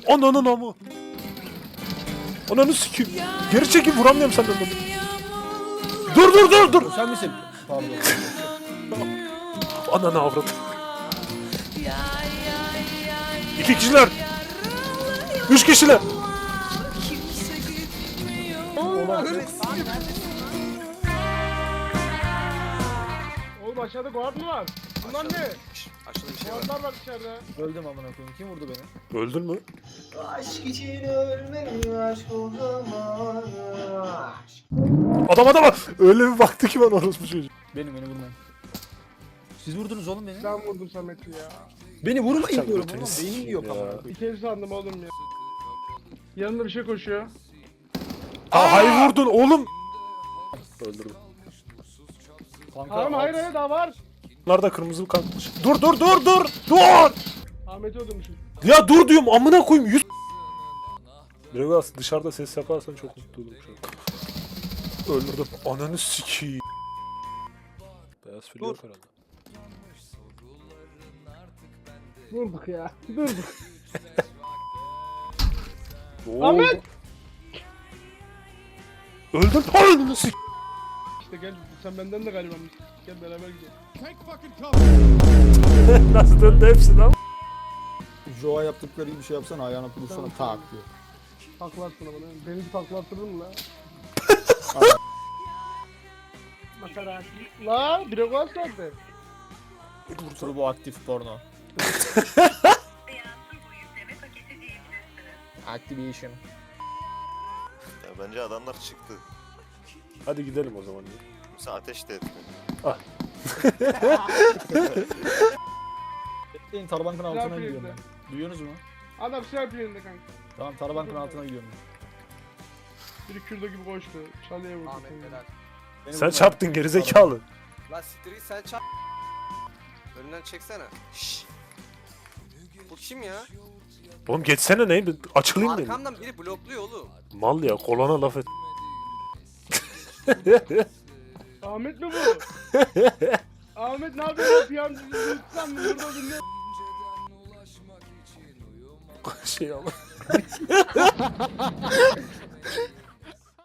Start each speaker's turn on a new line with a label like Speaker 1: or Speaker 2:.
Speaker 1: Ananın amı. Ananı sikeyim. Geri çekip vuramıyorum senden bunu. Dur.
Speaker 2: Sen misin? Pardon.
Speaker 1: Ananı avradı. 2 kişiler. 3 kişiler.
Speaker 3: Oğlum aşağıda guard mı var? Bunlar ne?
Speaker 4: Aşağıda bir şey var.
Speaker 3: Guardlar var dışarıda.
Speaker 2: Öldüm amına koyayım. Kim vurdu beni?
Speaker 1: Öldün mü?
Speaker 5: Aşk için ölmeli aşk olamaz.
Speaker 1: Adam. Öyle bir baktı ki ben orospu çocuğu.
Speaker 2: Beni vurmayın. Siz vurdunuz oğlum beni.
Speaker 3: Ben vurdum Samet'i ya.
Speaker 2: Beni vurmayın
Speaker 1: Sen
Speaker 2: diyorum
Speaker 1: götünü
Speaker 2: oğlum.
Speaker 1: sikeyim
Speaker 2: Beynim yok
Speaker 1: ya.
Speaker 2: amına koyayım.
Speaker 3: İki el sandım oğlum ya. Yanında bir şey koşuyor.
Speaker 1: Hayır vurdun oğlum. Öldürdüm.
Speaker 2: Kanka,
Speaker 3: Hayır daha var.
Speaker 1: Bunlar da kırmızı kalkmış. Dur.
Speaker 3: Ahmet'i öldürmüşüm.
Speaker 1: Ya dur diyorum amına koyayım. Biraz dışarıda ses yaparsan çok mutlu olurum şu an. Öldürdüm. Ananı sikeyim. Beyaz fil yok herhalde.
Speaker 3: Durduk ya. Durduk.
Speaker 1: Oo.
Speaker 3: Ahmet!
Speaker 1: Öldüm. Ananı sik.
Speaker 3: İşte gel sen benden de galiba mısın? Gel beraber gidelim.
Speaker 1: Nasıl döndü hepsi lan?
Speaker 2: Joa yaptıkları gibi bir şey yapsana ayağına vursana tak diyor.
Speaker 3: Takla atsana bana. Beni bir takla attırdın mı lan? Makara. La Dragon saatte.
Speaker 2: Turbo aktif porno. Activation.
Speaker 4: Ya bence adamlar çıktı.
Speaker 1: Hadi gidelim o zaman.
Speaker 4: Sen ateş de ettin.
Speaker 2: Bekleyin Tarabank'ın altına
Speaker 3: Silah
Speaker 2: gidiyorum
Speaker 3: yerinde.
Speaker 2: ben. Duyuyorsunuz mu?
Speaker 3: Adam silah yerinde kanka.
Speaker 2: Tamam Tarabank'ın altına gidiyorum ben.
Speaker 3: Biri kürdo gibi koştu. Çalıya vurdu.
Speaker 4: Ahmet
Speaker 3: seni.
Speaker 4: helal.
Speaker 2: Beni
Speaker 1: Sen
Speaker 2: vurmayın.
Speaker 1: çarptın gerizekalı.
Speaker 4: La siktir sen çap. Önünden çeksene. Şşş. Bu kim ya?
Speaker 1: Oğlum geçsene ne? Açılayım dedim.
Speaker 4: Arkamdan biri blokluyor oğlum.
Speaker 1: Mal ya kolana laf et.
Speaker 3: Ahmet mi bu? Ahmet ne yapıyorsun? Piyancı lütfen burada dinle.
Speaker 1: Şey ama.